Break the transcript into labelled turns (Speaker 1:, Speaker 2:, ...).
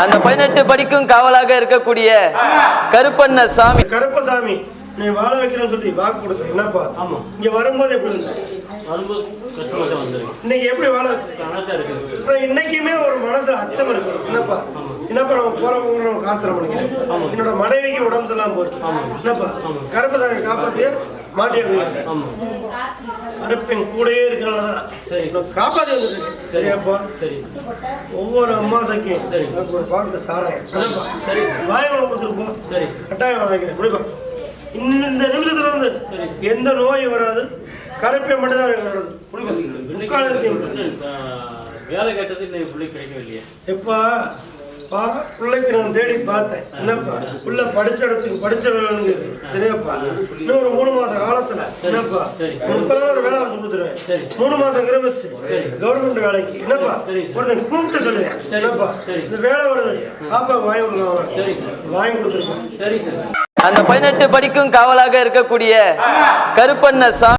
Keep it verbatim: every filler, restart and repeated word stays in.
Speaker 1: அந்த பதினெட்டு படிக்கும் காவலாக இருக்கக்கூடிய கருப்பண்ண சாமி.
Speaker 2: கருப்பசாமி நீ வாழ வைக்கிறேன்னு சொல்லி வாக்கு கொடுத்த என்னப்பா? இங்க வரும்போது எப்படி இருந்த? இன்னைக்கு எப்படி வாழ வச்சு? இன்னைக்குமே ஒரு மனசு அச்சம் இருக்கு என்னப்பா? என்னப்பா நம்ம போறவங்க நம்ம காசுரம் பண்ணிக்கிறேன். என்னோட மனைவிக்கு உடம்பு சரியில்லாம போகுது என்னப்பா? கருப்பசாமி காப்பாத்தி மாட்டி கருப்பின் கூடயே இருக்கிறனாலதான் காப்பாத்தி வந்துருக்கு. சரியாப்பா? ஒவ்வொரு அம்மாசைக்கும் ஒரு பாட்டு சாராயம் வாய்மலை கொடுத்துருப்போம். கட்டாயம் வாங்கிக்கிறேன் முடிப்பா. இந்த நிமிஷத்துல இருந்து எந்த நோயும் வராது. கருப்பை மட்டும்தான் இருக்கிறது.
Speaker 3: வேலை கேட்டது பிள்ளைக்கு கிடைக்கவில்லையே.
Speaker 2: எப்பா பிள்ளைக்கு நான் தேடி பார்த்தேன் என்னப்பா பிள்ளை படிச்ச இடத்துக்கு படிச்ச வேலைங்க சரியாப்பா. இன்னும் ஒரு மூணு மாசம் காலத்துல என்னப்பா முப்பது நாள் ஒரு வேலை அமைச்சு கொடுத்துருவேன். மூணு மாசம் கிரமிச்சு கவர்மெண்ட் வேலைக்கு என்னப்பா ஒருத்தன் கூப்பிட்டு சொல்லுவேன் என்னப்பா இந்த வேலை வருது பாப்பாவுக்கு வாங்கி கொடுக்கலாம் வாங்கி கொடுத்துருக்கேன்.
Speaker 1: அந்த பதினெட்டு படிக்கும் காவலாக இருக்கக்கூடிய கருப்பண்ண சாமி.